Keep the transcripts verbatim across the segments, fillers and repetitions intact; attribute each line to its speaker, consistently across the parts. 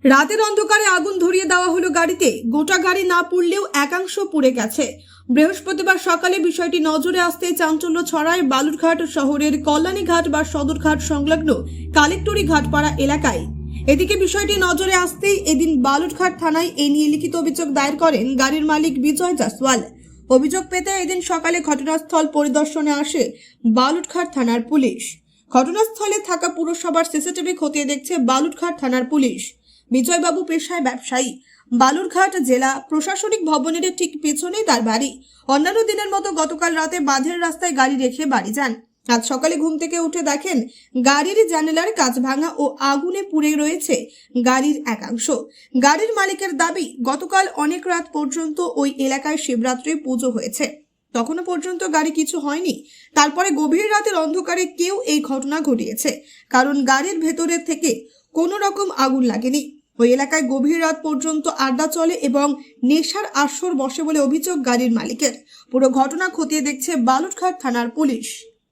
Speaker 1: রাতের অন্ধকারে আগুন ধরিয়ে দেওয়া হলো গাড়িতে। গোটা গাড়ি না পুড়লেও একাংশ পুড়ে গেছে। বৃহস্পতিবার সকালে বিষয়টি নজরে আসতে চাঞ্চল্য ছড়ায় বালুরঘাট শহরের কল্যাণীঘাট বা সদরঘাট সংলগ্ন কালেক্টরি ঘাটপাড়া এলাকায়। এদিকে বিষয়টি নজরে আসতেই এদিন বালুরঘাট থানায় এ নিয়ে লিখিত অভিযোগ দায়ের করেন গাড়ির মালিক বিজয় জাসওয়াল। অভিযোগ পেতে এদিন সকালে ঘটনাস্থল পরিদর্শনে আসে বালুরঘাট থানার পুলিশ। ঘটনাস্থলে থাকা পুরসভার সিসিটিভি খতিয়ে দেখছে বালুরঘাট থানার পুলিশ। বিজয়বাবু পেশায় ব্যবসায়ী। বালুরঘাট জেলা প্রশাসনিক ভবনের ঠিক পেছনেই তার বাড়ি। অন্যান্য দিনের মতো গতকাল রাতে বাঁধের রাস্তায় গাড়ি রেখে বাড়ি যান। আজ সকালে ঘুম থেকে উঠে দেখেন গাড়ির জানালার কাঁচ ভাঙা ও আগুনে পুড়ে রয়েছে গাড়ির একাংশ। গাড়ির মালিকের দাবি, গতকাল অনেক রাত পর্যন্ত ওই এলাকায় শিবরাত্রি পুজো হয়েছে, তখনও পর্যন্ত গাড়ি কিছু হয়নি। তারপরে গভীর রাতের অন্ধকারে কেউ এই ঘটনা ঘটিয়েছে, কারণ গাড়ির ভেতরের থেকে কোনো রকম আগুন লাগেনি। ওই এলাকায় গভীর রাত পর্যন্ত আড্ডা চলে এবং নেশার আসর বসে বলে অভিযোগ গাড়ির মালিকের। পুরো ঘটনা খতিয়ে দেখছে বালুরঘাট থানার পুলিশ।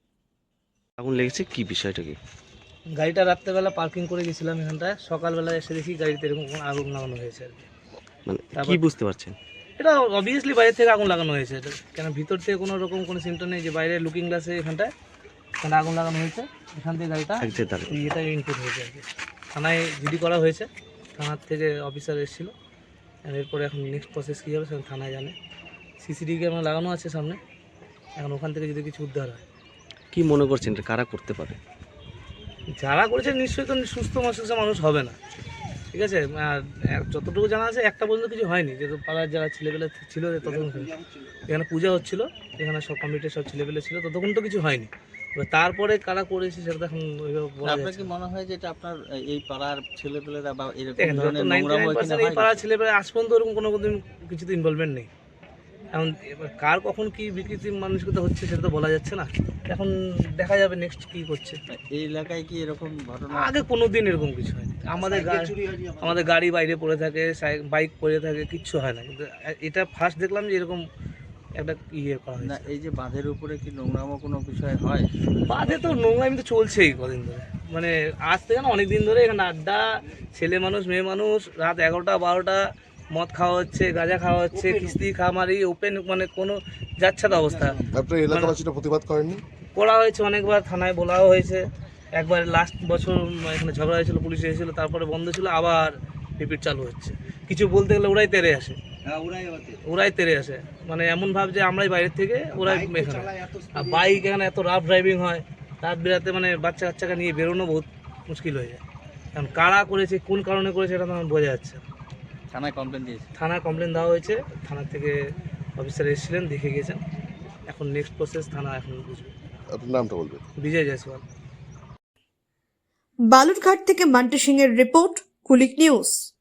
Speaker 2: আগুন লেগেছে কি বিষয়টা কি?
Speaker 3: গাড়িটা রাত্রেবেলা পার্কিং করে গেছিলাম এখানটায়, সকালবেলা এসে দেখি গাড়িতে এরকম কোনো আগুন লাগানো হয়েছে আর কি।
Speaker 2: মানে কি বুঝতে পারছেন?
Speaker 3: এটা অবভিয়াসলি বাইরে থেকে আগুন লাগানো হয়েছে, এটা কেন ভিতর থেকে কোনো রকম কোনো সিমটম নেই যে বাইরে লুকিং গ্লাসে এখানটায় এখানে আগুন লাগানো হয়েছে। এখান থেকে গাড়িটা এটা ইনপুট হয়েছে আর কি। থানায় জিডি করা হয়েছে, থানার থেকে অফিসার এসেছিলো। এরপরে এখন নেক্সট প্রসেস কী হবে সেখানে থানায় জানে। সিসিটিভি ক্যামেরা লাগানো আছে সামনে, এখন ওখান থেকে যদি কিছু উদ্ধার হয়।
Speaker 2: কি মনে করছেন এটা কারা করতে পারে?
Speaker 3: যারা করেছে নিশ্চয়ই তো সুস্থ মস্তিষ্ক মানুষ হবে না, ঠিক আছে। আর যতটুকু জানা আছে একটা পর্যন্ত কিছু হয়নি, যেহেতু পাড়ার যারা ছেলেবেলা ছিল ততক্ষণ এখানে পূজা হচ্ছিল, এখানে সব কমিটির সব ছেলেবেলা ছিল, ততক্ষণ তো কিছু হয়নি। তারপরে কারা করেছে সেটা তো এখন
Speaker 4: আপনার কি মনে হয় যে এটা আপনার এই পাড়ার ছেলেপেলেরা বা এরকম
Speaker 3: এই পাড়ার ছেলেপেলে আজ পর্যন্ত ওরকম কোনো কিছুতে ইনভলভমেন্ট নেই। এখন কার কখন কি বিকৃতি মানসিকতা হচ্ছে সেটা তো বলা যাচ্ছে না, এখন দেখা যাবে নেক্সট কি করছে।
Speaker 4: এই এলাকায় কি এরকম ঘটনা
Speaker 3: আগে কোনো দিন এরকম কিছু হয়নি। আমাদের আমাদের গাড়ি বাইরে পড়ে থাকে, বাইক পড়ে থাকে, কিচ্ছু হয় না, কিন্তু এটা ফার্স্ট দেখলাম যে এরকম একটা ইয়ে করা হয়।
Speaker 4: এই যে বাঁধের উপরে কি নোংরামো কোনো বিষয় হয়?
Speaker 3: বাঁধে তো নোংরামি তো চলছেই কদিন ধরে, মানে আজ থেকে না অনেক দিন ধরে এখানে আড্ডা, ছেলে মানুষ মেয়ে মানুষ, রাত এগারোটা বারোটা মদ খাওয়া হচ্ছে, গাঁজা খাওয়া হচ্ছে, কিস্তি খামারি ওপেন, মানে কোনো যাচ্ছে তো অবস্থা।
Speaker 5: আপনার এলাকাবাসীরা প্রতিবাদ করেননি?
Speaker 3: করা হয়েছে অনেকবার, থানায় বলাও হয়েছে। একবার লাস্ট বছর এখানে ঝগড়া হয়েছিল, পুলিশ এসেছিলো, তারপরে বন্ধ ছিল, আবার রিপিট চালু হচ্ছে। কিছু বলতে গেলে ওরাই তেরে আসে, ওরাই তেরে আসে, মানে এমন ভাব যে আমরাই বাইরের থেকে, ওরাই এখানে। আর বাইক এখানে এত রাফ ড্রাইভিং হয়, রাত বেরাতে মানে বাচ্চা কাচ্চাকে নিয়ে বেরোনো বহুত মুশকিল হয়ে যায়। কারণ কারা করেছে, কোন কারণে করেছে এটা তো আমার বোঝা যাচ্ছে।
Speaker 4: থানায় কমপ্লেন দিয়েছে?
Speaker 3: থানায় কমপ্লেন দেওয়া হয়েছে, থানা থেকে অফিসার এসেছিলেন, দেখে গেছেন। এখন নেক্সট প্রসেস থানা এখন বুঝবে।
Speaker 5: আপনার নামটা বলবেন?
Speaker 3: বিজয় জয়সওয়াল।
Speaker 1: বালুরঘাট থেকে মান্টি সিং এর রিপোর্ট, কুলিক নিউজ।